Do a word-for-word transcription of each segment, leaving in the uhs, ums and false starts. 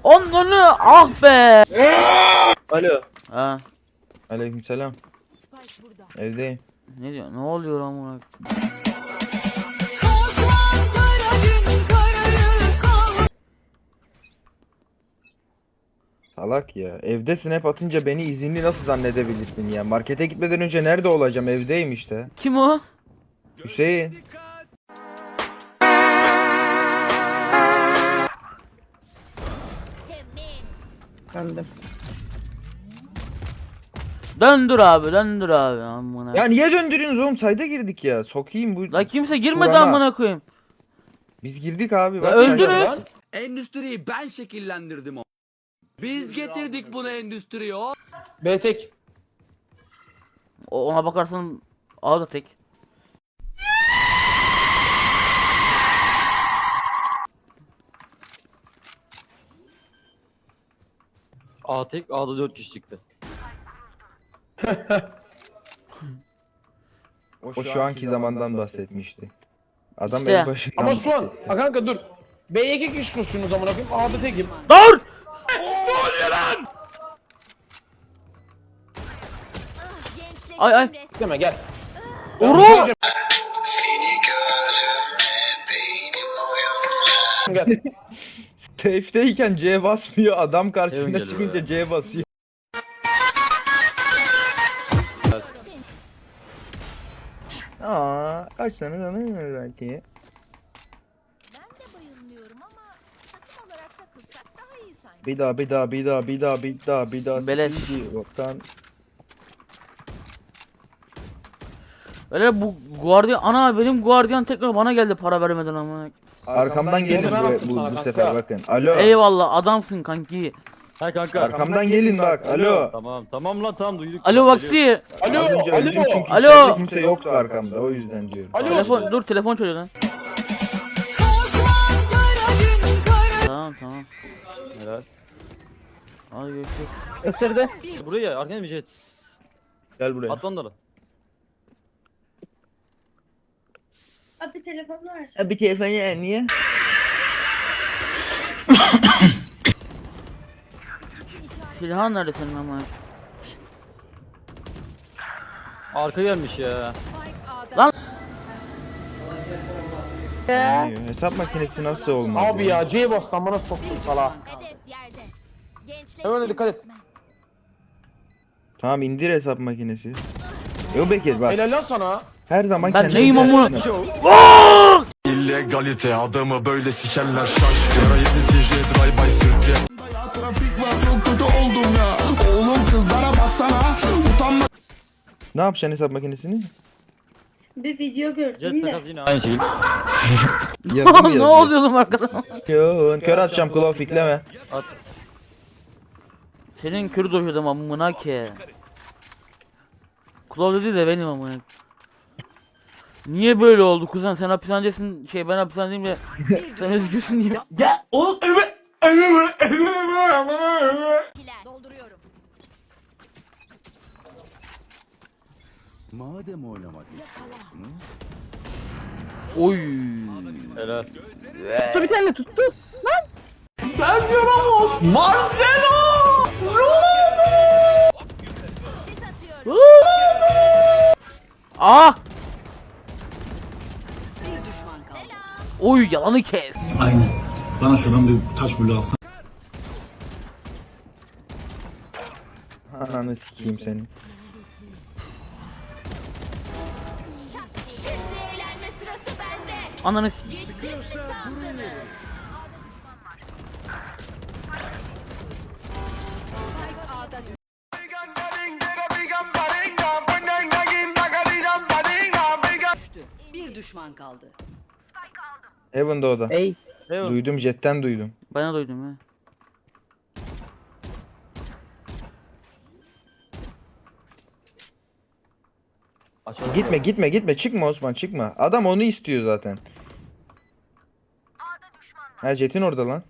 Onları ah be. Alo. Ha. Aleykümselam. Evdeyim. Ne diyor? Ne oluyor amına? Salak ya. Evde snap atınca beni izinli nasıl zannedebilirsin ya? Markete gitmeden önce nerede olacağım? Evdeyim işte. Kim o? Hüseyin. Döndüm. Döndür abi, döndür abi amına. Ya niye döndürüyorsunuz oğlum? Sayda girdik ya. Sokayım bu. La kimse girmedi Kur'an'a. amına koyayım. Biz girdik abi. Ya Bak öldürün. sayda- Endüstriyi ben şekillendirdim o. Biz getirdik bunu endüstriye o. B tek. O- Ona bakarsan A da tek. A tek, A'da dört kişi çıktı. O şu anki zamandan bahsetmişti. Adam İşte. el başından Ama şu an. bahsetti. Ha kanka dur. B'ye iki kişi koşuyorsunuz amına koyayım. A'da tekim. Dur! Ay ay. Deme gel. Oru! Gel. Safe'deyken C basmıyor. Adam karşısına Evin çıkınca geliyor C basıyor. Aa, kaç tane tanıyor belki. Ben de bayılmıyorum ama takım olarak takılsak daha iyi sanki. Bir daha bir daha bir daha bir daha bir daha bir daha. Beleş. Bir Yoktan. Öyle bu guardiyan ana benim guardiyan tekrar bana geldi para vermeden amına. Arkamdan gelin ben bu, attım bu, sana bu kanka. sefer bakın. Alo. Eyvallah adamsın kanki. Ha kanka. Arkamdan gelin bak. Alo. Tamam tamam lan tamam duyduk. Alo Vaksi. Alo. Az önce öldüm Alo. çünkü Alo. içeride kimse yoktu arkamda. O yüzden diyorum. Alo. Telefon dur telefon çalıyor lan. Tamam tamam. Helal. Hadi görüşürüz. Isırdı. Buraya arkana bir jet. Gel buraya. At onları. Abi telefonunu versene. Bir telefonu niye? Silahın nerede senin amına? Arka gelmiş ya. Hesap makinesi nasıl olmaz? Abi ya C'ye bas lan bana soktun sala. Hedef yerde. Gençleştim Hemen dikkat et. resmen. Tamam indir hesap makinesi. Yo Bekir bak. Helal lan sana. Her zaman Ben kendine neyim amına? İllegalite adamı böyle sikerler şaş. Yara yedi sicri drive by sürtçe. Trafik var çok kötü oldum ya. Oğlum kızlara baksana. Utanma. Ne yapacaksın hesap makinesini? Bir video Jet gördüm de. takas yine aynı şey. Yazı mı Ne yazıyor? oluyor oğlum arkadan? Yo, kör atacağım kulağı fikleme. At. Senin kürü doşadım amına ki. Kulağı dedi de benim amına. Niye böyle oldu kuzen sen hapishanedesin şey ben hapishanedeyim de sen özgürsün diye. Kiler. Dolduruyorum. Madem oynamak istiyorsunuz. Oy. Helal. Bir tane tuttu. Sis atıyorum. Ah! Oy yalanı kes. Aynen. Bana şuradan bir taş bulu alsana. Ananı sikeyim seni. Şak. Şimdi eğlenme sırası bende. Ananı s- Gittim mi sandınız? Bir düşman kaldı. Heaven'da o da. Ace. Heaven. Duydum jetten duydum. Ben de duydum ya. Aşağıda. Gitme gitme gitme çıkma Osman çıkma. Adam onu istiyor zaten. Ha jetin orada lan.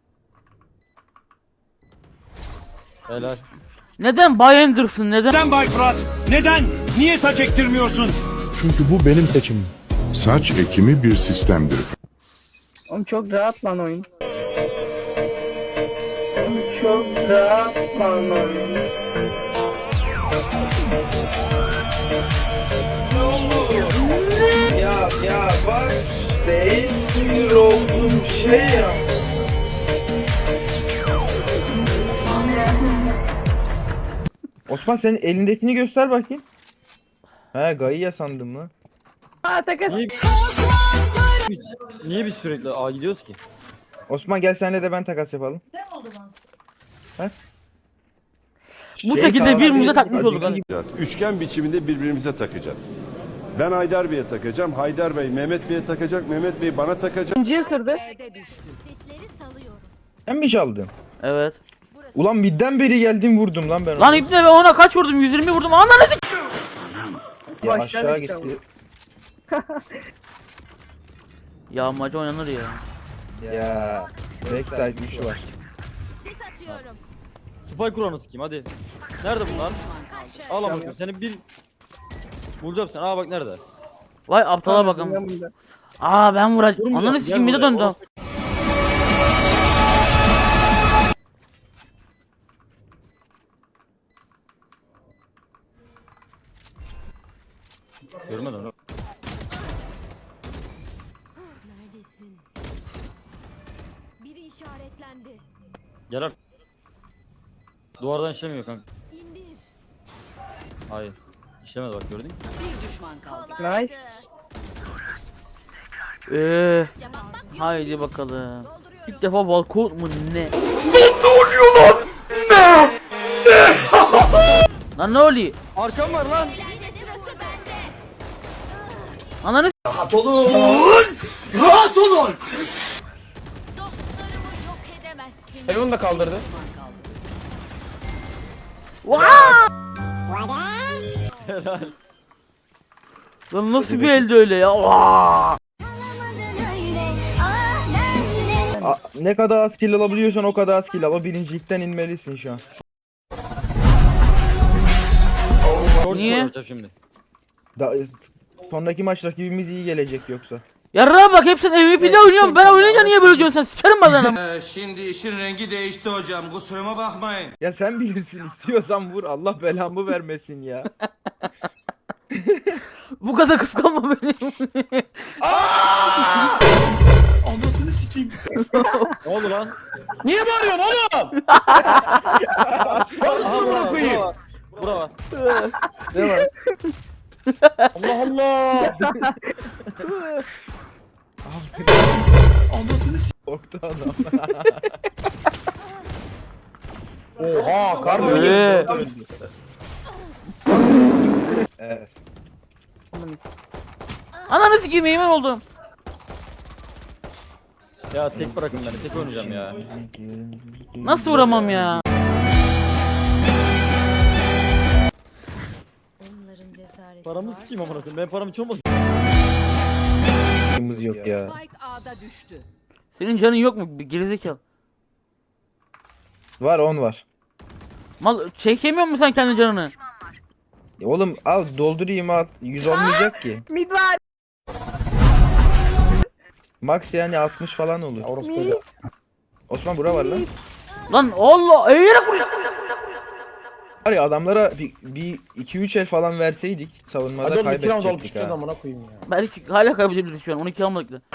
Helal. Neden Bay Anderson neden? Neden Bay Fırat? Neden? Niye saç ektirmiyorsun? Çünkü bu benim seçimim. Saç ekimi bir sistemdir. Oğlum çok rahat lan oyun. sonra bana ya ya bak ben sinir oldum şey ya. Osman senin elindekini göster bakayım. He Gaia sandım lan. Niye, biz, niye biz sürekli A gidiyoruz ki? Osman gel senle de ben takas yapalım. Ne oldu bana? Bu Şey, şekilde tamam, birbirimize hadi- takmış hadi olduk. gel. Hani. Üçgen biçiminde birbirimize takacağız. Ben Haydar Bey'e takacağım. Haydar Bey Mehmet Bey'e takacak. Mehmet Bey bana takacak. B'de düştü. Sesleri salıyorum. Sen mi çaldın? Evet. Ulan midden beri geldim vurdum lan ben. Lan onu. ipne ben ona kaç vurdum? yüz yirmi vurdum. Ananı s***. Ya aşağı gitti. Ya maçı oynanır ya. Ya backside güçlü var. Sis atıyorum. Spy kuranı sikeyim hadi. Nerede bunlar? Al ama seni bir... Bulacağım sen. Aa bak nerede? Vay aptala bakalım. Aa ben vuracağım. Vurmayacağım, Ananı gel sikeyim bir de buraya. döndü. Görmedim onu. Neredesin? Biri işaretlendi. Gel artık. Duvardan işlemiyor kanka. İndir. Hayır. İşlemez bak gördün mü? Bir düşman kaldı. Kolaydı. Eee. Cevap bak yok. Haydi bakalım. Dolduruyorum. İlk defa balkon mu ne? Lan ne oluyor? Arkam var lan. Eğlence sırası bende. Ananı s***. Rahat olun. Rahat olun. Dostlarımı yok edemezsin. Hayvan da kaldırdı. Lan nasıl bir elde öyle ya? Vaa! A- ne kadar az kill alabiliyorsan o kadar az kill al. O birincilikten inmelisin şu an. Short Niye? soracağım şimdi. Da sonraki maç rakibimiz iyi gelecek yoksa. Yarrağa bak hep sen M V P'de oynuyorsun. Ben oynayınca niye böyle diyorsun sen? Sikerim ben lan. Ee, şimdi işin rengi değişti hocam. Kusuruma bakmayın. Ya sen bilirsin istiyorsan vur Allah belamı vermesin ya. Bu kadar kıskanma beni. Ne oldu lan? Niye bağırıyorsun oğlum? Aha Amına bura koyayım. var. Bura var. Ne var? Allah Allah. Korktu adam. Oha kar mı Ee. geldi? Evet. Ananı sikeyim yemin oldum. Ya tek bırakın beni. Tek oynayacağım ya. Nasıl vuramam ya? Onların cesareti Paramı varsa- sikeyim amına koyayım. Ben paramı hiç olmasın. Yok ya. Spike A'da düştü. Senin canın yok mu? Bir gerizekalı. Var on var. Mal çekemiyor musun sen kendi canını? Ya oğlum al doldurayım al. yüz olmayacak ki. Mid var. Max yani altmış falan olur. Orospu. Osman bura var lan. Lan Allah eğerek vuruyor. Var ya adamlara bir, bir iki üç el falan verseydik savunmada Hadi oğlum iki round alıp kaybedecektik çıkacağız ha. amına koyayım ya. Belki hala kaybedebiliriz şu an. on iki almadık da.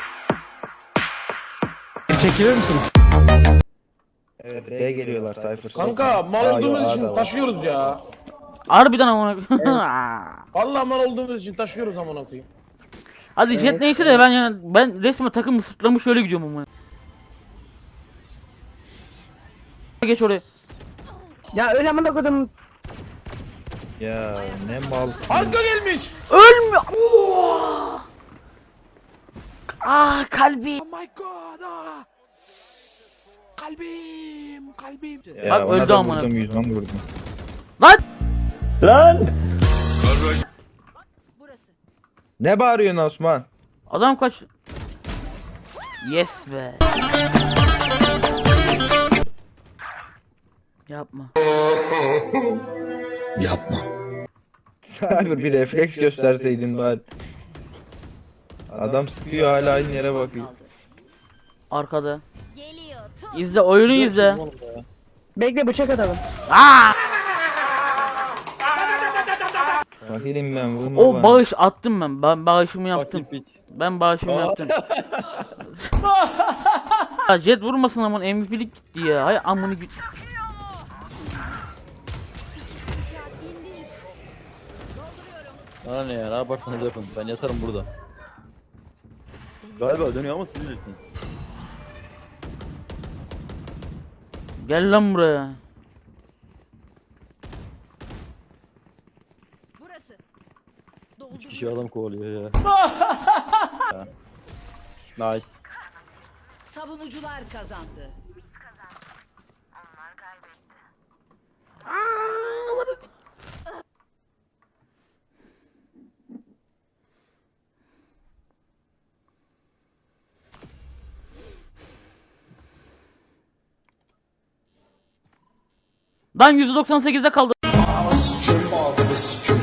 Evet B geliyorlar Cypher. Kanka mal Aa, olduğumuz yok, A için da var. taşıyoruz ya. Harbiden amına. Vallahi mal olduğumuz için taşıyoruz amına koyayım. Hadi jet neyse de ben yani ben resmen takım sırtlamış şöyle gidiyorum ama. Geç oraya. Ya öyle amına koydum. Ya ne mal. Arka gelmiş. Ölmüyor. Oo! Ah kalbi. Ya Bak, ona öldü da amına. vurdum yüzden vurdum. Burası. Ne bağırıyorsun Osman? Adam kaç. Yes be. Yapma. Yapma. Cypher bir refleks gösterseydin bari. Adam sıkıyor hala aynı yere bakıyor. Kaldı. Arkada. Geliyor. Tut. İzle oyunu izle. Oğlum ya. Bekle bıçak atalım. Aa! Fakirim ben vurma O bana. bağış attım ben. Ben bağışımı yaptım. Fakir piç. Ben bağışımı yaptım. Ya Jet vurmasın aman M V P'lik gitti ya. Hay amını git. Bana ne ya? Ne yaparsanız yapın. Ben yatarım burada. Galiba dönüyor ama siz bilirsiniz. Gel lan buraya. Burası. Üç kişi adam kovalıyor ya. Ya. Nice. Savunucular kazandı. Lan yüzde doksan sekizde kaldı. Sikim ağzını sikim